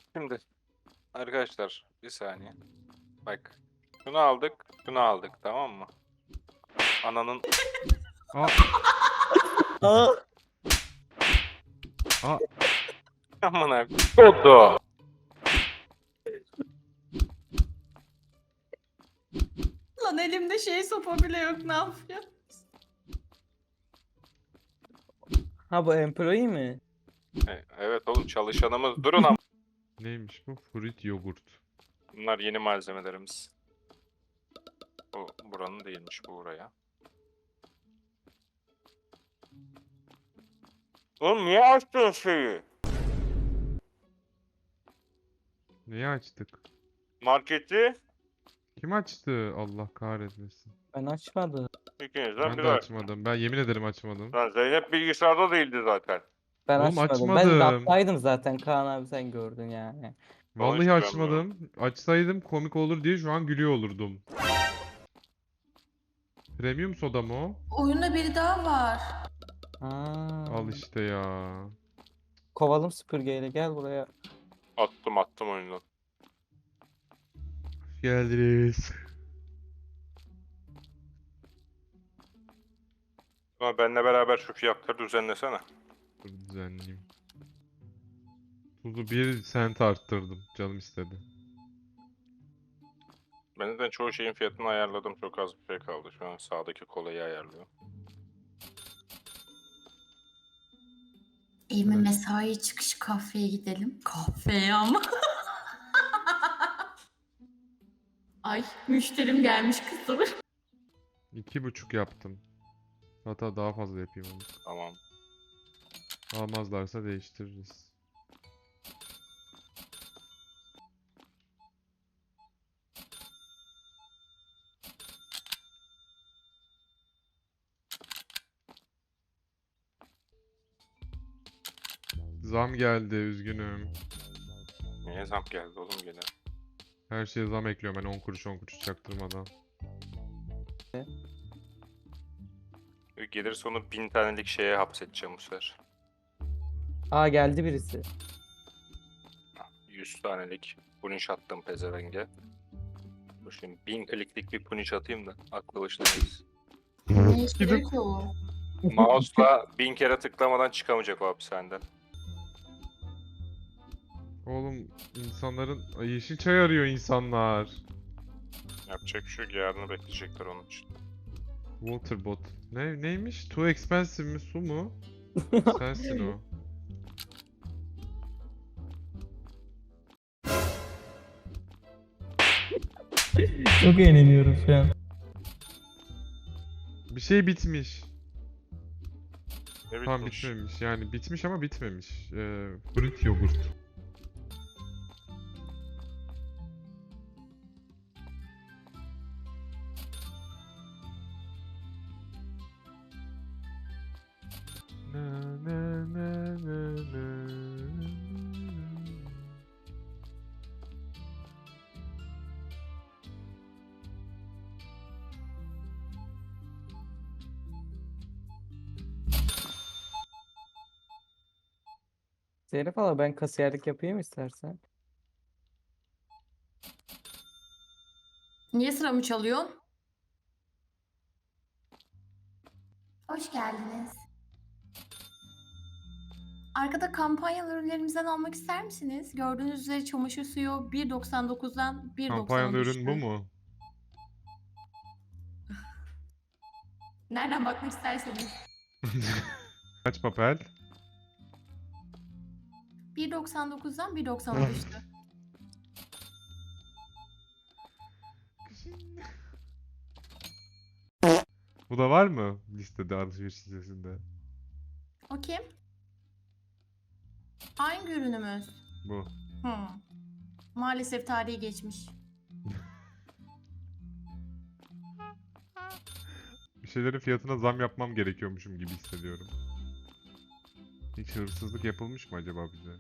Şimdi arkadaşlar bir saniye. Bak. Şunu aldık, şunu aldık, tamam mı? Ananın Aa, Aa, aa, amına kodu. Lan elimde sopa bile yok, ne yapıyor? ha bu employee mi? Evet oğlum, çalışanımız. Durun ama. neymiş bu? Fruit yogurt. Bunlar yeni malzemelerimiz. Bu buranın değilmiş, bu buraya. Oğlum niye açtın şeyi? Neyi açtık? Marketi Kim açtı? Allah kahretmesin. Ben açmadım. ikinizden Ben biri de açtı. açmadım. Ben yemin ederim açmadım. Lan Zeynep bilgisayarda değildi zaten. Ben Oğlum açmadım. Ben açmadım. laptaydım zaten Kaan abi, sen gördün yani. Vallahi Konuşturamıyorum. açmadım. Açsaydım komik olur diye şu an gülüyor olurdum. Premium soda mı o? Oyunda biri daha var. Aa, Al işte ya. kovalım süpürgeyle, gel buraya. Attım oyundan. Hoş geldiniz. Ama benimle beraber şu fiyatları düzenlesene. Dur düzenleyeyim. Tuzu 1 sent arttırdım. Canım istedi. Ben zaten çoğu şeyin fiyatını ayarladım. Çok az bir şey kaldı. Şu an sağdaki kolayı ayarlıyor. Eğme Evet. mesai çıkışı kahveye gidelim. Kahveye ama. Ay, müşterim gelmiş kızım. 2,5 yaptım. Hatta daha fazla yapayım onu. Tamam. Almazlarsa değiştiririz. Zam geldi, üzgünüm. Niye zam geldi oğlum gene? Her şeye zam ekliyorum ben 10 kuruş 10 kuruş çaktırmadan. Gelir sonu 1000 tanelik şeye hapsedeceğim bu sefer. Aa, geldi birisi. 100 tanelik punish attım pezevenge. Dur şimdi 1000 kliklik bir punish atayım da aklı başına gelsin. Ne işe yarıyor ki o? Mouse'la 1000 kere tıklamadan çıkamayacak o hapishaneden. Oğlum insanların Ay, yeşil çay arıyor insanlar. Yapacak bir şey yok, yarını bekleyecekler onun için. Waterbot. Neymiş? Too expensive mi? Su mu? Sensin o. Çok eğleniyorum şu an. Bir şey bitmiş. Ne Tam bitmiş? bitmemiş. Yani bitmiş ama bitmemiş. Fruit yogurt. Na, na, na, na, na. Zeynep abla, ben kasiyerlik yapayım istersen. Niye sıramı çalıyorsun? Hoş geldiniz. Arkada kampanyalı ürünlerimizden almak ister misiniz? Gördüğünüz üzere çamaşır suyu 1.99'dan 1.90'a Kampanyalı ürün düştü. bu mu? Nereden bakmak isterseniz. Kaç papel? 1.99'dan 1.90'a düştü. Bu da var mı listede, alışveriş listesinde? O kim? Hangi ürünümüz? Bu. Maalesef tarihi geçmiş. Bir şeylerin fiyatına zam yapmam gerekiyormuşum gibi hissediyorum. Hiç hırsızlık yapılmış mı acaba bize?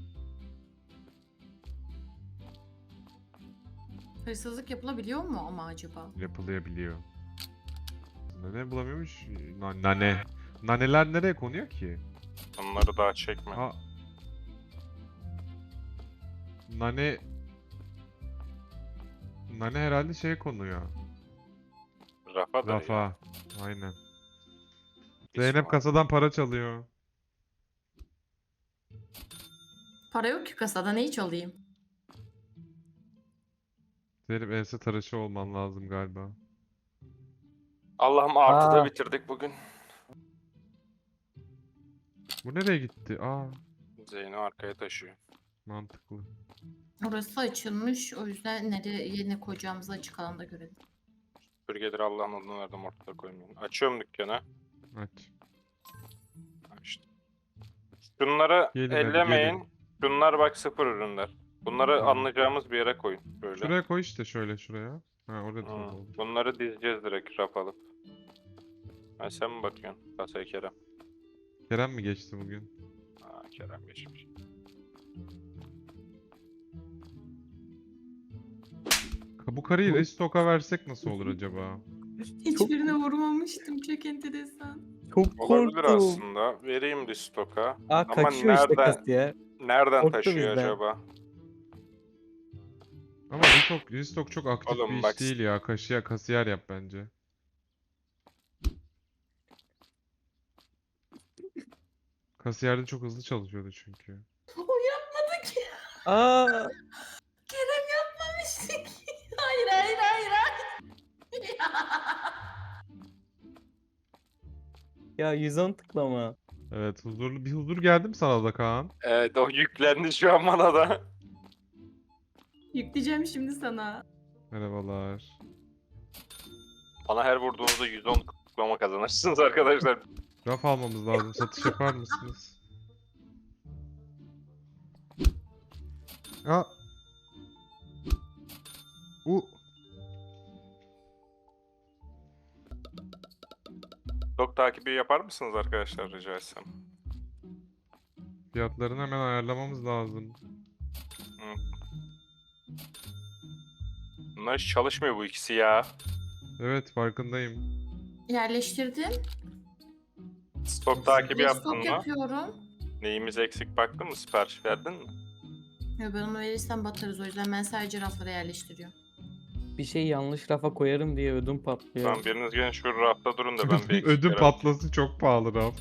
Hırsızlık yapılabiliyor mu ama acaba? Yapılabiliyor. Nane bulamıyormuş. Nane. Naneler nereye konuyor ki? Onları daha çekme. Aa. Nane... Nane herhalde şeye konuyor. Rafa da ya. Rafa. Aynen. İsim Zeynep var. kasadan para çalıyor. Para yok ki kasada, ne hiç alayım? Zeynep ense tıraşı olman lazım galiba. Allah'ım artıda Aa. bitirdik bugün. Bu nereye gitti? Aa, Zeyno arkaya taşıyor. mantıklı. Orası açılmış, o yüzden yerine koyacağımızı açık alanda görelim. Süpürgedir Allah'ın adını verdim ortada koymayın. Açıyorum dükkanı. Aç. İşte. Şunları Gelin hadi, ellemeyin. gelin. Şunlar bak sıfır ürünler. Bunları Tamam. anlayacağımız bir yere koyun. Böyle. Şuraya koy işte, şöyle şuraya. Ha, orada da Hı. olur. Bunları dizeceğiz direkt raf alıp. Ha, sen mi bakıyorsun? Kasaya Kerem. Kerem mi geçti bugün? Ha, Kerem geçmiş. Bu karıyı restock'a versek nasıl olur acaba? Hiçbirine vurmamıştım, çok enteresan. Çok Olabilir korktum. aslında. Vereyim restock'a. Aa, Ama kaçıyor işte nereden, kasiyer. nereden Korktu taşıyor bizden. acaba? Ama restock çok aktif Oğlum bir iş bak- değil ya. Kasiyer yap bence. Kasiyerde çok hızlı çalışıyordu çünkü. O yapmadı ki. Aa, Kerem yapmamıştı ki. Hayır hayır hayır hayır. ya 110 tıklama. Evet, bir huzur geldi mi sana da Kaan? Evet, o yüklendi şu an bana da. Yükleyeceğim şimdi sana. Merhabalar. Bana her vurduğunuzda 110 kutlama kazanırsınız arkadaşlar. Raf almamız lazım. Satış yapar mısınız? Aa. Stok takibi yapar mısınız arkadaşlar rica etsem? Fiyatlarını hemen ayarlamamız lazım. Bunlar hiç çalışmıyor bu ikisi ya. Evet, farkındayım. Yerleştirdim. Stok takibi yaptın Stok mı? yapıyorum. Neyimiz eksik baktın mı? Sipariş verdin mi? Ya ben onu verirsem batarız, o yüzden ben sadece raflara yerleştiriyorum. Bir şey yanlış rafa koyarım diye ödüm patlıyor. Tamam biriniz gelin şu rafta durun da ben bir eksik Ödüm yere- patlası çok pahalı raf.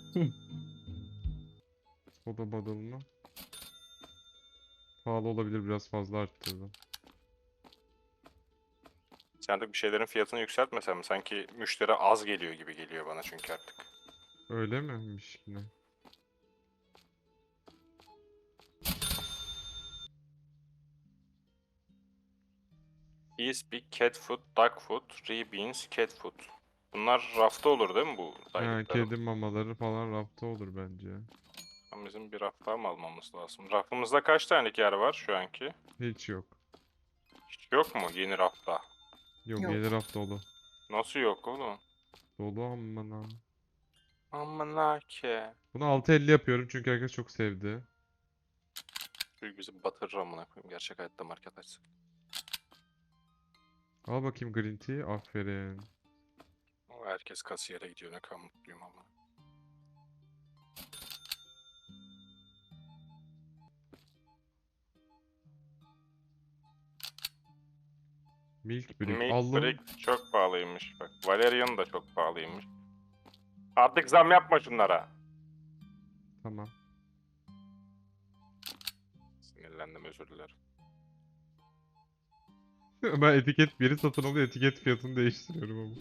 Soda badalını. Pahalı olabilir, biraz fazla arttırdım. Sen de bir şeylerin fiyatını yükseltmesen mi? Sanki müşteri az geliyor gibi geliyor bana çünkü artık. Öyle miymiş yine? Bees, Big Cat Food, Dog Food, Beans, Cat Food. Bunlar rafta olur değil mi bu Ha, saydıklarım? kedi mamaları falan rafta olur bence. Ama bizim bir raf daha mı almamız lazım? Rafımızda kaç tane yer var şu anki? Hiç yok. Hiç yok mu yeni rafta? Yok, Yok. yeni raf dolu. Nasıl yok oğlum? Dolu amına. Aman ki. Bunu 6.50 yapıyorum çünkü herkes çok sevdi. Büyük bizi batırır amına koyayım. Gerçek hayatta market açsak. Al bakayım green tea. Aferin. Ama herkes kasiyere gidiyor. Ne kadar mutluyum ama. Milk brick. Milk Aldım. Brick çok pahalıymış. Bak Valerian da çok pahalıymış. Artık zam yapma şunlara. Tamam. Sinirlendim özür dilerim. Ben biri satın alıyor, etiket fiyatını değiştiriyorum ama.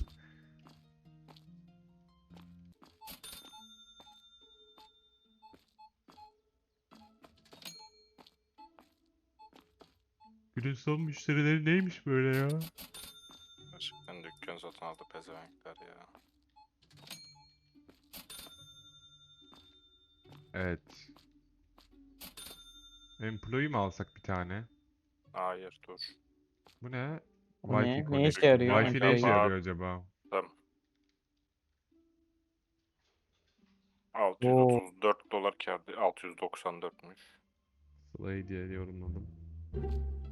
Günün son müşterileri neymiş böyle ya? Gerçekten dükkan satın aldı pezevenkler ya. Evet. Employee mi alsak bir tane? Hayır dur. Bu ne? Bu ne? Wi-Fi Ne işe connection. yarıyor? Wi-Fi ne işe Employee? yarıyor acaba? Tamam. Oo. $634 kâr. 694'müş. Slay diye yorumladım.